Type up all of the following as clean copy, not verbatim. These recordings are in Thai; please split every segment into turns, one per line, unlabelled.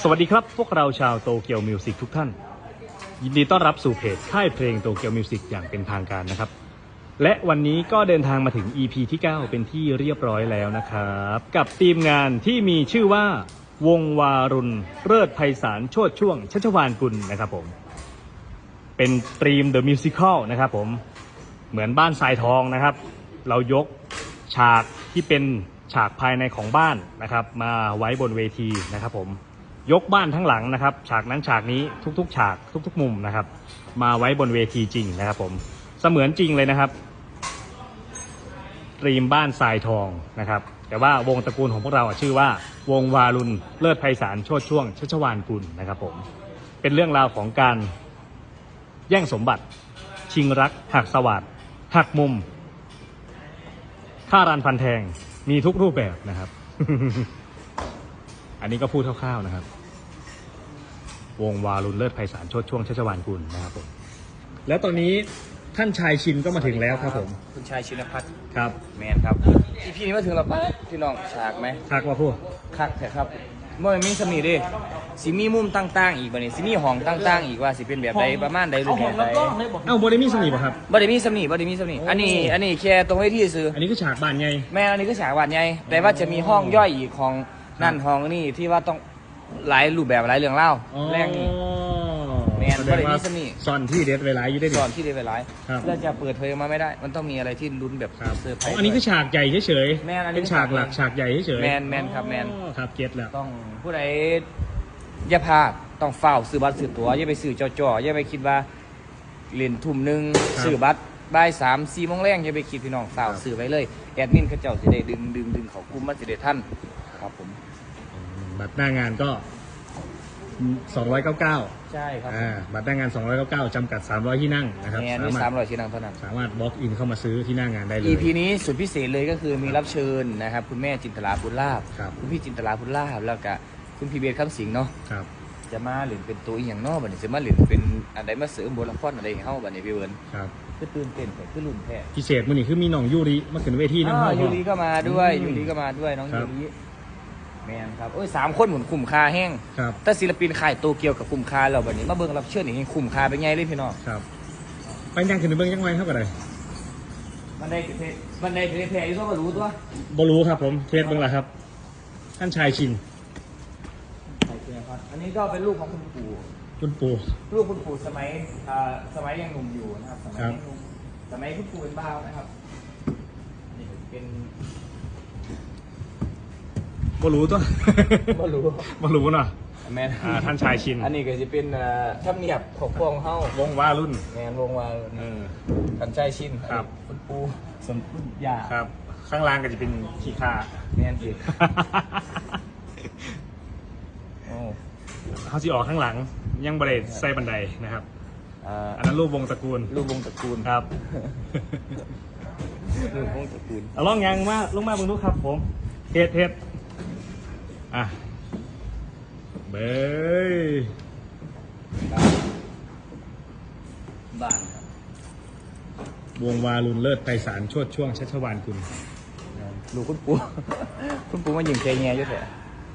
วัสดีครับพวกเราชาวโตเกียวมิวสิกทุกท่านยินดีต้อนรับสู่เพจค่ายเพลงโตเกียวมิวสิกอย่างเป็นทางการนะครับและวันนี้ก็เดินทางมาถึง EP ที่ 9 เป็นที่เรียบร้อยแล้วนะครับกับทีมงานที่มีชื่อว่าวงวารุณเลิศไพศาลโชติช่วงชัชวาลกุลนะครับผมเป็นตรีม The Musical นะครับผมเหมือนบ้านทรายทองนะครับเรายกฉากที่เป็นฉากภายในของบ้านนะครับมาไว้บนเวทีนะครับผมยกบ้านทั้งหลังนะครับฉากนั้นฉากนี้ทุกๆฉากทุกๆมุมนะครับมาไว้บนเวทีจริงนะครับผมเสมือนจริงเลยนะครับตรีมบ้านทรายทองนะครับแต่ว่าวงตระกูลของพวกเราชื่อว่าวงวารุณเลิศไพศาลโชติช่วงชัชวาลกุลนะครับผมเป็นเรื่องราวของการแย่งสมบัติชิงรักหักสวัสดหักมุมฆ่ารันฟันแทงมีทุกรูปแบบนะครับ อันนี้ก็พูดคร่าวๆนะครับวงวารุณเลิศไพศาลโชติช่วงชัชวาลกุลนะครับผมแล้วตอนนี้ท่านชายชินก็มาถึงแล้วครับผม
คุณชายชินพัฒน์
ครับ
แมนครับพี่นี้มาถึงแล้วปะพี่น้องฉากไหม
คักว่าพูด
คักแต่ครับเมื่อมีสมีดิสิมีมุมต่างๆอีกบ่นี่สิมีห้องต่างๆอีกว่าสิเป็นแบบใดประมาณใดรูปแบบใด
เอ้าบริมีสนิทป่ะครับ
บ่ได้มีสมีอันนี้แค่ตรงเวทีซื้อ
อันนี้คือฉากบ้านไง
แม่อันนี้คือฉากบ้านไงแต่ว่าจะมีห้องย่อยอีกของนั่นห้องนี่ที่ว่าต้องหลายรูปแบบหลายเรื่องเล่าแรงนี่แมนบ่ได้มีสมี
ซ่อนที่เด็ดไว้หลายอยู่ได้
ซ่อนที่เด็ดไว้หลายแล้วจะเปิดเผยมาไม่ได้มันต้องมีอะไรที่ลุ้นแบบ
เซอร์ไพรส์อันนี้คือฉากใหญ่เฉย
ๆแม่
เป็นฉากหลักฉากใหญ่เฉย
แมนครับแมน
ครับเก็ตแล้ว
ต้องผู้ใดอย่าพลาดต้องเฝ้าซื้อบัตรซื้อตั๋วอย่าไปซื้อจ่ออย่าไปคิดว่าเล่นทุ่มหนึ่งซื้อบัตรบ่าย3-4 โมงแรงอย่าไปคิดพี่น้องเฝ้าซื้อไว้เลยแอดมินเขาเจ้าสิได้ดึงเขากลุ่มมันสิได้ทันครับผม
บัตรหน้างานก็299
ใช่ครับ
บัตรหน้างาน299จำกัด300ที่นั่งนะครับ
มี300ที่นั่งเท่านั้น
สามารถบล็อกอินเข้ามาซื้อที่หน้างานได้เลย
EP นี้สุดพิเศษเลยก็คือมีรับเชิญนะครับคุณแม่จินตลาพุทธลาภคุณพี่จินตลาพุทธลาภแล้วก็คุณพี่เบสคำสิงห์เนาะจะมาหรือเป็นตัวอีหยังนอกบัดนี้จะมาหรือเป็นอะไรมาเสริมบทละครอะไรให้เฮาบัดนี้พี่เบิร์นคือตื่นเต้นคือลุ้นแท้
พิเศษมื้อนี้คือมีน้องยูริมาขึ้นเวทีนำ
ยูริก็มาด้วยน้องยูริแมนครับ3 คนหมุนคุ้มค่าแห้งแต่ศิลปินค่ายโตเกียวกับคุ้มค่าเราบัดนี้มาเบิ่งรับเชิญนี่คุ้มค่าเป็นไงเลยพี่น้อง
ครับไปยังขึ้นไปเบิ่งยังไงเท่ากันเลย
มันได้เพลอยู่ตัวบ่รู้ตัว
บ่รู้ครับผมเทสเบิ่งล่ะครับท่านชายชิน
อันนี้ก็เป็นลูกของคุณปู่ลูกคุณปู่สมัยยังหนุ่มอยู่นะครับสมัยคุณปู่เป็นบ้าวนะครับนี่เป็น
บ่รู้ตัว
บ่รู้
เนาะ
แมน
ท่านชายชิน
อันนี้ก็จะเป็นธรรมเนียบของพวกเฮาว
งวารุ่น
แมนวงวารุ่นท่านชายชิน
ครับ
คุณปู่สมคุณยา
ครับข้างล่างก็จะเป็นขี้ข้า
แมนสิ
เขาสิออกข้างหลังยังบริเวณใส่บันไดนะครับอันนั้นรูปวงตระกูลครับ
รูปวงตระกูล
ลองยังมาลงมาเบิ่งดูครับผมเทสเบ้ย
บ้านครับ
วงวารุณเลิศไพศาลโชติช่วงชัชวาลกุล
ลูกคุณปู่มายิงเคแง่เยอะแท้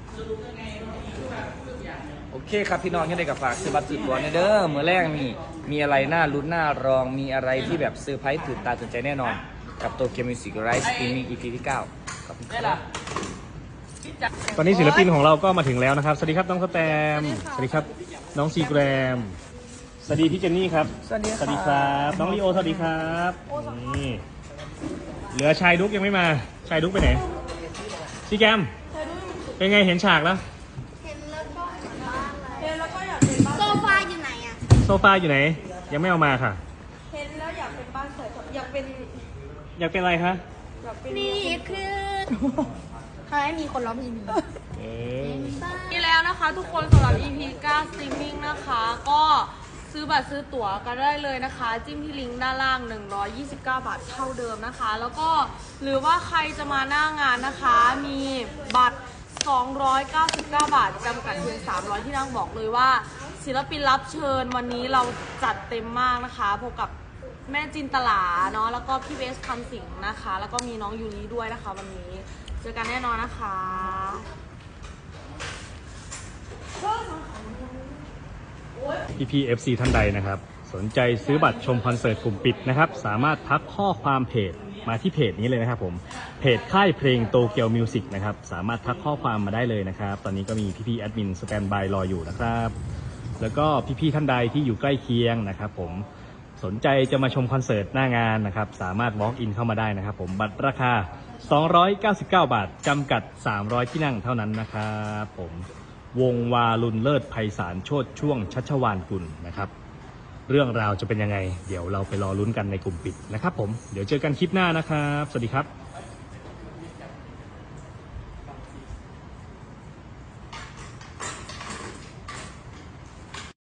โอเคครับพี่น้องยังได้กับฝากซื้อบัตรซื้อตั๋วเด้อเมื่อแรกมีอะไรน่าลุ้นน่ารองมีอะไรที่แบบเซอร์ไพรส์ตื่นตาตื่นใจแน่นอนกับโตเกียวมิวสิกไลฟ์สตรีมมิ่ง EP ที่ 9ขอบคุณครับ
ตอนนี้ศิลปินของเราก็มาถึงแล้วนะครับสวัสดีครับน้องสแตมสวัสดีครับน้องซีแกรมสวัสดีพี่เจนนี่ครับ
สวัสดี
ครับน้องลีโอสวัสดีครับนี่เหลือชายดุ๊กยังไม่มาชายดุ๊กไปไหนซีแกรมเป็นไงเห็นฉากแล้ว
โซฟาอยู่ไหนอ่ะ
โซฟาอยู่ไหนยังไม่เอามาค่ะ
เห็นแล้วอยากเป็นบ้านสวยอยากเป็น
อะไรคะ
นี่คือทำให้มีคนร้องเพลงนี่แล้วนะคะทุกคนสำหรับ EP 9 Streaming นะคะก็ซื้อบัตรซื้อตั๋วกันได้เลยนะคะจิ้มที่ลิงก์ด้านล่าง129 บาทเท่าเดิมนะคะแล้วก็หรือว่าใครจะมาหน้างานนะคะมีบัตร299 บาทจำกัดเพียง300ที่นั่งบอกเลยว่าศิลปินรับเชิญวันนี้เราจัดเต็มมากนะคะพบกับแม่จินตลาเนาะแล้วก็พี่เบสคำสิงห์นะคะแล้วก็มีน้องยูริด้วยนะคะวันนี้เจอกันแน่นอนนะคะ
พี่ FC ท่านใดนะครับสนใจซื้อบัตรชมคอนเสิร์ตกลุ่มปิดนะครับสามารถทักข้อความเพจมาที่เพจนี้เลยนะครับผมเพจค่ายเพลงโตเกียวมิวสิกนะครับสามารถทักข้อความมาได้เลยนะครับตอนนี้ก็มีพี่ๆแอดมินสแตนบายรออยู่นะครับแล้วก็พี่ๆท่านใดที่อยู่ใกล้เคียงนะครับผมสนใจจะมาชมคอนเสิร์ตหน้างานนะครับสามารถ walk in เข้ามาได้นะครับผมบัตรราคา299 บาทจำกัด300ที่นั่งเท่านั้นนะครับผมวงวาลุนเลิศไพศาลโชติช่วงชัชวานกุลนะครับเรื่องราวจะเป็นยังไงเดี๋ยวเราไปรอลุ้นกันในกลุ่มปิดนะครับผมเดี๋ยวเจอกันคลิปหน้านะครับสวัสดีครับ